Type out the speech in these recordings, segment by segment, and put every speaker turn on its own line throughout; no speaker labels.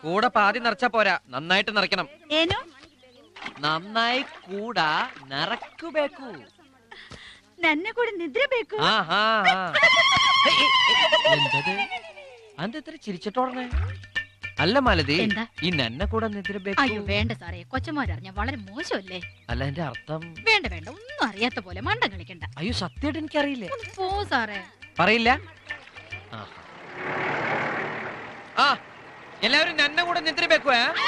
കൂടെ പാതി നിറച്ചാ പോരാ, നന്നായിട്ട് നിറയ്ക്കണം.
ಏನು
നന്നായി കൂടാ നിറക്കുಬೇಕು.
ನನ್ನ ಕೂಡ ನಿದ್ರೆ ಬೇಕು.
എന്തത് അതെത്ര ചിരിച്ചിട്ടോടനെ? അല്ല മാലതി, ഈ നന്നെ കൂടെ നിദ്രಬೇಕು.
അയ്യോ വേണ്ട സാറേ, കൊച്ചന്മാരറിഞ്ഞ വളരെ മോശമല്ലേ?
അല്ല എന്റെ അർത്ഥം.
വേണ്ട വേണ്ട, ഒന്നും അറിയാത്ത പോലെ മണ്ടം കളിക്കണ്ട.
അയ്യോ സത്യമായിട്ട് എനിക്കറിയില്ലേ.
പോ സാറേ.
പറയില്ല. ആ എല്ലാവരും നന്നെ കൂടെ നിദ്രಬೇಕು.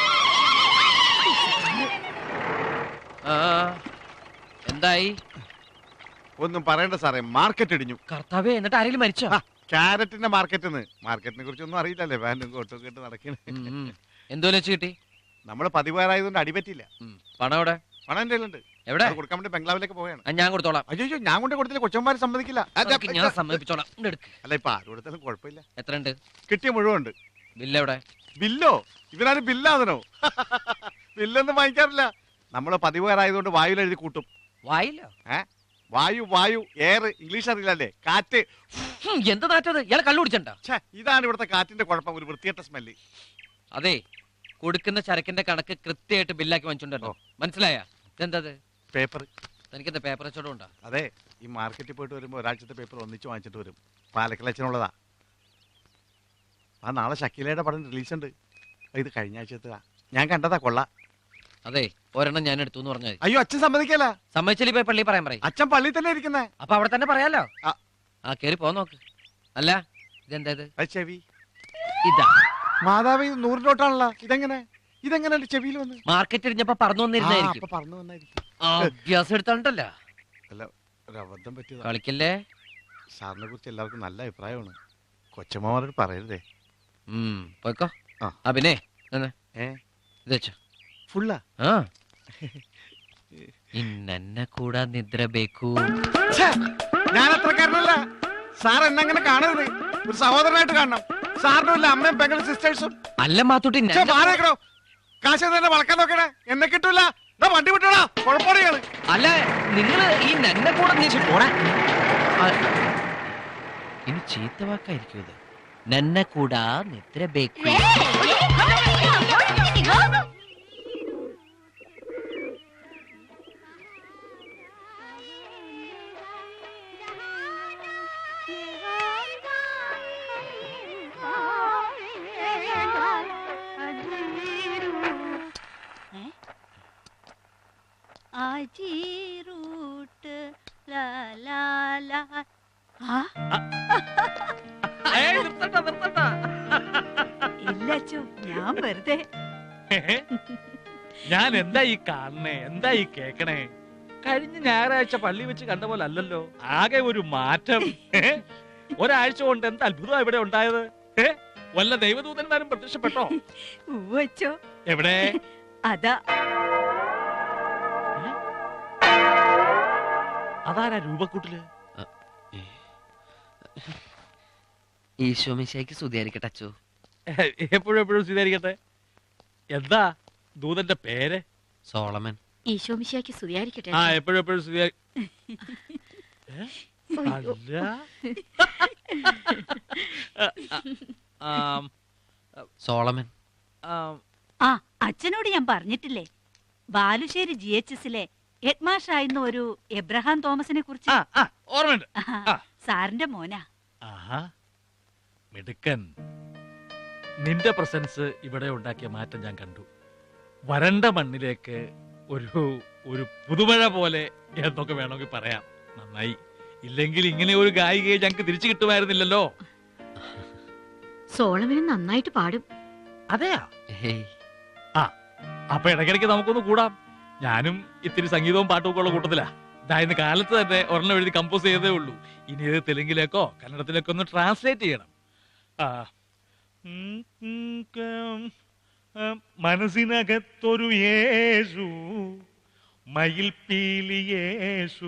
എന്തായി?
ഒന്നും പറയണ്ട സാറേ, മാർക്കറ്റ് ഇടിഞ്ഞു.
കർത്താവേ, എന്നിട്ട് ആരെങ്കിലും മരിച്ചോ?
ക്യാരറ്റിന്റെ മാർക്കറ്റിനെ കുറിച്ചൊന്നും അറിയില്ലല്ലേ, പാന്റും കോട്ടും കേട്ട് നടക്കണേ.
എന്തോന്ന് വെച്ച് കിട്ടി?
നമ്മള് പതിവേറായതുകൊണ്ട് അടിപറ്റില്ല.
പണം എവിടെ?
പണം എന്റെ കയ്യിലുണ്ട്.
എവിടെ?
കൊടുക്കാൻ വേണ്ടി ബംഗ്ലാവിലേക്ക് പോവുകയാണ്.
ഞാൻ കൊടുത്തോളാം.
അയ്യോ ഞാൻ കൊണ്ട് കൊടുത്തില്ല, കൊച്ചന്മാര് സമ്മതിക്കില്ല.
ഞാൻ സമ്മതിപ്പിച്ചോളാം.
അല്ല ഇപ്പൊ ആര് കൊടുത്താലും കുഴപ്പമില്ല.
എത്ര ഉണ്ട്?
കിട്ടിയ മുഴുവൻ ഉണ്ട്.
ബില്ല് എവിടെ?
ബില്ലോ? ഇവരാരും ബില്ലാതനോ? ബില്ലൊന്നും വാങ്ങിക്കാറില്ല. നമ്മള് പതിവേറായതുകൊണ്ട് വായുവിൽ എഴുതി കൂട്ടും.
വായില്ലോ?
വായു എയർ ഇംഗ്ലീഷ് അറിയില്ലല്ലേ? കാറ്റ്.
എന്ത് നാറ്റത്? ഇയാളെ കള്ളു കുടിച്ചണ്ട.
ഇതാണ് ഇവിടുത്തെ കാറ്റിന്റെ കുഴപ്പം, ഒരു വൃത്തികെട്ട സ്മെല്ല്.
അതെ, കൊടുക്കുന്ന ചരക്കിന്റെ കണക്ക് കൃത്യമായിട്ട് ബില്ലാക്കി വാങ്ങിച്ചോണ്ടോ, മനസ്സിലായ? ഇതെന്തത്?
പേപ്പർ.
തനിക്കെന്താ പേപ്പർ വെച്ചോടും ഉണ്ടോ?
അതെ, ഈ മാർക്കറ്റിൽ പോയിട്ട് വരുമ്പോ ഒരാഴ്ചത്തെ പേപ്പർ ഒന്നിച്ച് വാങ്ങിച്ചിട്ട് വരും. പാലക്കലച്ചനുള്ളതാ. നാളെ ഷക്കീലയുടെ പടം റിലീസ് ഉണ്ട്. ഇത് കഴിഞ്ഞ ആഴ്ചത്താ, ഞാൻ കണ്ടതാ. കൊള്ളാം.
അതെ, ഒരെണ്ണം ഞാൻ എടുത്തു എന്ന് പറഞ്ഞാൽ.
അയ്യോ അച്ഛൻ സമ്മതിക്കല.
സമ്മതിച്ചാൽ പോയി പള്ളി പറയാൻ പറയും.
അച്ഛൻ പള്ളി തന്നെ ഇരിക്കുന്നേ.
അപ്പൊ അവിടെ തന്നെ പറയാലോ. കേറി പോ നോക്ക്. അല്ല ഇതെന്താ?
ചെവി.
ഇതാ
മാതാവി 100 നോട്ടാണല്ലോ. ഇതെങ്ങനെ ചെവിയിൽ വന്ന്?
മാർക്കറ്റ് ഇടിഞ്ഞപ്പോ പറന്നു വന്നിരുന്നായിരിക്കും.
പറഞ്ഞു വന്നായിരിക്കും.
അഭ്യാസം എടുത്തോണ്ടല്ലോ.
അല്ല, ഒരു അബദ്ധം പറ്റിയതാ.
കളിക്കല്ലേ.
സാറിനെ കുറിച്ച് എല്ലാവർക്കും നല്ല അഭിപ്രായമാണ്. കൊച്ചമ്മമാരോട് പറയരുതേ.
പോയിക്കോ. പിന്നെ ഇത് വെച്ചോ.
ഫുള്ളാ?
ഇന്നെ കൂടാ നിദ്രಬೇಕು.
ഞാൻ അത്രക്കാരനല്ല സാർ. എന്നെങ്ങനെ കാണരുത്, ഒരു സഹോദരനായിട്ട് കാണണം. സാറിനും ഇല്ല അമ്മയും പെങ്ങളും സിസ്റ്റേഴ്സും.
അല്ല മാത്തൂട്ടി,
മാറേക്കണോ? കാശ് തന്നെ വളക്കാൻ നോക്കണേ. എന്നെ കിട്ടൂല. വണ്ടി വിട്ടോടാ, കുഴപ്പമാണ്.
അല്ല നിങ്ങള് ഈ നന്നെ കൂടെ ഇനി ചീത്ത വാക്കായിരിക്കും ഇത്. നന്നെ കൂടാ നിദ്രಬೇಕು.
ഞാൻ വെറുതെ.
ഞാൻ എന്താ ഈ കാണണേ, എന്താ ഈ കേക്കണേ? കഴിഞ്ഞ ഞായറാഴ്ച പള്ളി വെച്ച് കണ്ട പോലെ അല്ലല്ലോ, ആകെ ഒരു മാറ്റം. ഒരാഴ്ച കൊണ്ട് എന്ത് അത്ഭുതം ഇവിടെ ഉണ്ടായത്. വല്ല ദൈവദൂതന്മാരും പ്രത്യക്ഷപ്പെട്ടോ?
എവിടെ? അതാ
അതാരാ രൂപക്കൂട്ടില്?
ഈശോമിശിഹായ്ക്ക് സ്തുതിയായിരിക്കട്ടെ അച്ചോ.
എപ്പോഴും സ്വീകരിക്കട്ടെ. എന്താ ദൂതന്റെ പേര്?
സോളമൻ.
ഈശോമിശിഹായ്ക്ക് സ്തുതിയായിരിക്കട്ടെ.
എപ്പോഴും
സോളമൻ.
അച്ഛനോട് ഞാൻ പറഞ്ഞിട്ടില്ലേ, ബാലുശ്ശേരി GHSലെ ഹെഡ് മാസ്റ്റർ ആയിരുന്ന ഒരു എബ്രഹാം തോമസിനെ കുറിച്ച്?
ഓർമ്മയുണ്ട്.
സാറിന്റെ മോനാ.
മിടുക്കൻ. നിന്റെ പ്രസൻസ് ഇവിടെ ഉണ്ടാക്കിയ മാറ്റം ഞാൻ കണ്ടു. വരണ്ട മണ്ണിലേക്ക് ഒരു പുതുമഴ പോലെ എന്നൊക്കെ വേണമെങ്കിൽ പറയാം. നന്നായി. ഇല്ലെങ്കിൽ ഇങ്ങനെ ഒരു ഗായികയെ ഞങ്ങൾക്ക് തിരിച്ചു കിട്ടുമായിരുന്നില്ലല്ലോ.
സോളമനും നന്നായിട്ട് പാടും.
അതെയാ? അപ്പൊ ഇടയ്ക്കിടയ്ക്ക് നമുക്കൊന്ന് കൂടാം. ഞാനും ഇത്തിരി സംഗീതവും പാട്ടും ഒക്കെ ഉള്ള കൂട്ടത്തിലാ. ഇന്ന് കാലത്ത് തന്നെ ഒരെണ്ണം എഴുതി കമ്പോസ് ചെയ്തേ ഉള്ളൂ. ഇനി ഇത് തെലുങ്കിലേക്കോ കന്നഡത്തിലേക്കോ ഒന്ന് ട്രാൻസ്ലേറ്റ് ചെയ്യണം. മനസ്സിനകത്തൊരു യേശു, മയിൽ പീലിയേശു,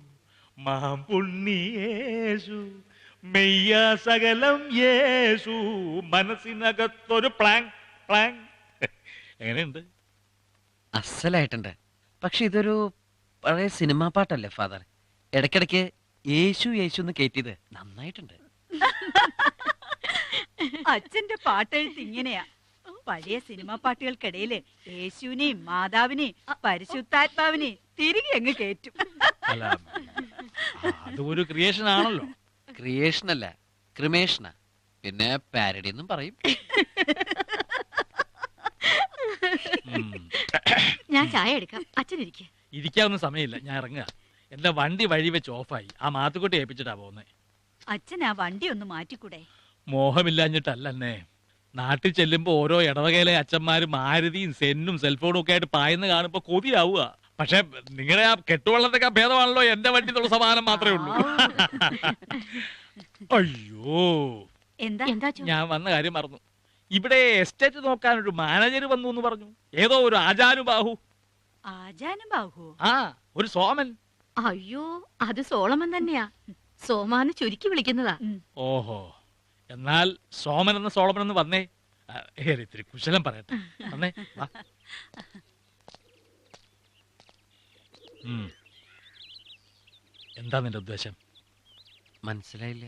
മാമ്പുണ്ണിയേശു, മെയ്യ സകലം യേശു, മനസ്സിനകത്തൊരു പ്ലാങ് പ്ലാങ്. എങ്ങനെയുണ്ട്?
അസലായിട്ടുണ്ട്. പക്ഷെ ഇതൊരു പഴയ സിനിമാ പാട്ടല്ലേ ഫാദർ? ഇടയ്ക്കിടയ്ക്ക് യേശു യേശു എന്ന് കേറ്റിയത് നന്നായിട്ടുണ്ട്.
അച്ഛന്റെ പാട്ടെഴുത്ത് ഇങ്ങനെയാ. പഴയ സിനിമാ പാട്ടുകൾക്കിടയില് യേശുവിനെയും മാതാവിനെയും പരിശുദ്ധാത്മാവിനെയും തിരികെ അങ്ങ് കേറ്റും.
അല്ല അത് ഒരു ക്രിയേഷൻ ആണല്ലോ.
ക്രിയേഷൻ അല്ല, ക്രിമേഷനാ. പിന്നെ പാരഡി എന്നും പറയും.
ഞാൻ ചായ എടുക്കാം, അച്ഛനിരിക്കെ.
ഇരിക്കാവുന്ന സമയമില്ല, ഞാൻ ഇറങ്ങുക. എന്റെ വണ്ടി വഴി വെച്ച് ഓഫായി. ആ മാത്തുക്കുട്ടി ഏൽപ്പിച്ചിട്ടാ പോകുന്നേ.
അച്ഛൻ ആ വണ്ടി ഒന്ന് മാറ്റിക്കൂടെ?
മോഹമില്ലാഞ്ഞിട്ടല്ലേ. നാട്ടിൽ ചെല്ലുമ്പോ ഓരോ ഇടവകയിലെ അച്ഛന്മാര് മാരുതിയും സെന്നും സെൽഫോണും ഒക്കെ ആയിട്ട് പായുന്ന കാണുമ്പോ കൊതിയാവുക. പക്ഷെ നിങ്ങളുടെ ആ കെട്ടുവള്ളത്തൊക്കെ ഭേദമാണല്ലോ എന്റെ വണ്ടി എന്നുള്ള സമാധാനം മാത്രമേ ഉള്ളൂ. അയ്യോ,
എന്താ
ഞാൻ വന്ന കാര്യം മറന്നു. ഇവിടെ എസ്റ്റേറ്റ് നോക്കാൻ ഒരു മാനേജർ വന്നു എന്ന് പറഞ്ഞു. ഏതോ ഒരു ആജാനുബാഹു.
ആജാനുബാഹു?
ആ, ഒരു സോമൻ.
അയ്യോ, അത് സോളമൻ തന്നെയാ. സോമാന്ന് ചുരുക്കി വിളിക്കുന്നതാ.
ഓഹോ, എന്നാൽ സോമൻ എന്ന സോളമൻ എന്ന് വന്നേ. ഇത്തിരി കുശലം പറയട്ടെ. വന്നേ, വാ. എന്താ നിന്റെ ഉദ്ദേശം?
മനസ്സിലായില്ല.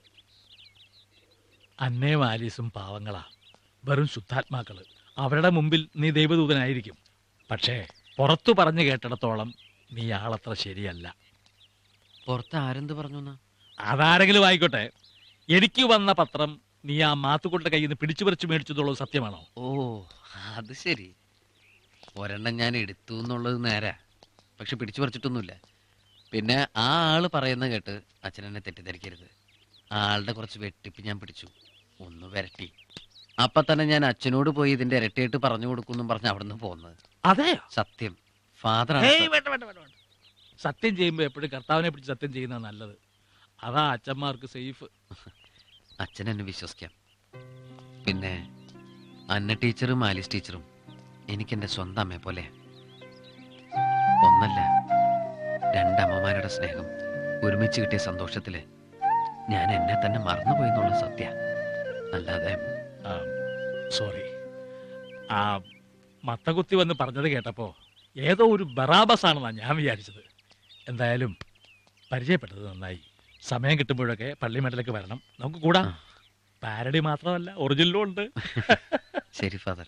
അന്നേം ആലീസും പാവങ്ങളാ, വെറും ശുദ്ധാത്മാക്കള്. അവരുടെ മുമ്പിൽ നീ ദൈവദൂതനായിരിക്കും. പക്ഷേ പുറത്തു പറഞ്ഞു കേട്ടിടത്തോളം നീ ആളത്ര ശരിയല്ല.
പുറത്ത് ആരെന്ത് പറഞ്ഞു?
അതാരെങ്കിലും ആയിക്കോട്ടെ. എനിക്ക് വന്ന പത്രം നീ ആ മാത്തുകൊണ്ട കയ്യിൽ നിന്ന് പിടിച്ചു പറിച്ചു മേടിച്ചതുള്ളത് സത്യമാണോ?
ഓ, അത് ശരി. ഒരെണ്ണം ഞാൻ എടുത്തു എന്നുള്ളത് നേരാ, പക്ഷെ പിടിച്ചു പറിച്ചിട്ടൊന്നുമില്ല. പിന്നെ ആ ആള് പറയുന്നത് കേട്ട് അച്ഛനെന്നെ തെറ്റിദ്ധരിക്കരുത്. ആ ആളുടെ കുറച്ച് വെട്ടിപ്പ് ഞാൻ പിടിച്ചു, ഒന്ന് വരട്ടി. അപ്പൊ തന്നെ ഞാൻ അച്ഛനോട് പോയി ഇതിന്റെ ഇരട്ടിയായിട്ട് പറഞ്ഞു കൊടുക്കും പറഞ്ഞ് അവിടെ നിന്ന് പോകുന്നത്.
അതെ,
സത്യം. ഫാദർ
സത്യം ചെയ്യുമ്പോ എപ്പോഴും കർത്താവിനെ പിടിച്ച് സത്യം ചെയ്യുന്നതാണ് നല്ലത്. അതാ അച്ഛന്മാർക്ക് സേഫ്.
അച്ഛൻ എന്നെ വിശ്വസിക്കാം. പിന്നെ അന്ന ടീച്ചറും ആലിസ് ടീച്ചറും എനിക്കെന്റെ സ്വന്തം അമ്മയെ പോലെ. ഒന്നല്ല, രണ്ടമ്മമാരുടെ സ്നേഹം ഒരുമിച്ച് കിട്ടിയ സന്തോഷത്തില് ഞാൻ എന്നെ തന്നെ മറന്നുപോയി എന്നുള്ള സത്യ. അല്ലാതെ
സോറി. ആ മത്തകുത്തി വന്ന് പറഞ്ഞത് കേട്ടപ്പോ ഏതോ ഒരു ബറാബസ് ആണെന്നാണ് ഞാൻ വിചാരിച്ചത്. എന്തായാലും പരിചയപ്പെട്ടത് നന്നായി. സമയം കിട്ടുമ്പോഴൊക്കെ പള്ളിമേട്ടിലേക്ക് വരണം, നമുക്ക് കൂടാം. പാരഡി മാത്രമല്ല, ഒറിജിനലും ഉണ്ട്.
ശരി ഫാദർ.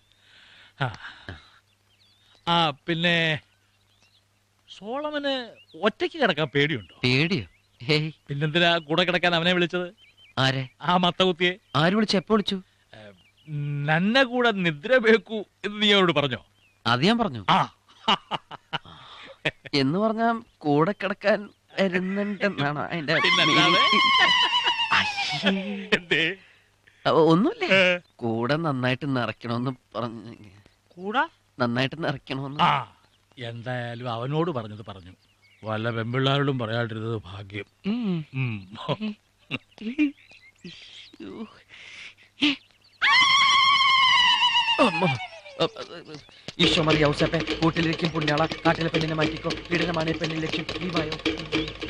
ആ പിന്നെ സോളമന് ഒറ്റയ്ക്ക് കിടക്കാൻ പേടിയുണ്ടോ?
പേടിയോ? ഹേയ്,
പിന്നെന്തിനാ കൂടെ കിടക്കാൻ അവനെ വിളിച്ചത്?
ആരെ?
ആ മത്തകുത്തിയെ.
ആര് വിളിച്ചു? എപ്പോ വിളിച്ചു?
നന്നെ കൂടെ നിദ്ര വേക്കൂ എന്ന് നീ അവരോട് പറഞ്ഞോ?
അത് ഞാൻ പറഞ്ഞു.
ആ
എന്ന് പറഞ്ഞാ കൂടെ കിടക്കാൻ വരുന്നുണ്ടെന്നാണോ അതിന്റെ? ഒന്നുമില്ലേ, കൂടെ നന്നായിട്ട് നിറയ്ക്കണോന്ന് പറഞ്ഞു.
കൂടാ
നന്നായിട്ട് നിറയ്ക്കണോന്ന്.
ആ, എന്തായാലും അവനോട് പറഞ്ഞത് പറഞ്ഞു. വല്ല പെമ്പിള്ളാരോടും പറയാണ്ടിരുന്നത് ഭാഗ്യം.
ഈശോ മറിയ ഔസേപ്പെ, കൂട്ടിലിരിക്കും പുണ്യാള, കാട്ടിലെ പെണ്ണിനെ മാറ്റിക്കോ, പീഡനമാണ് പെണ്ണിൻ ലക്ഷ്യം. ലീവായോ?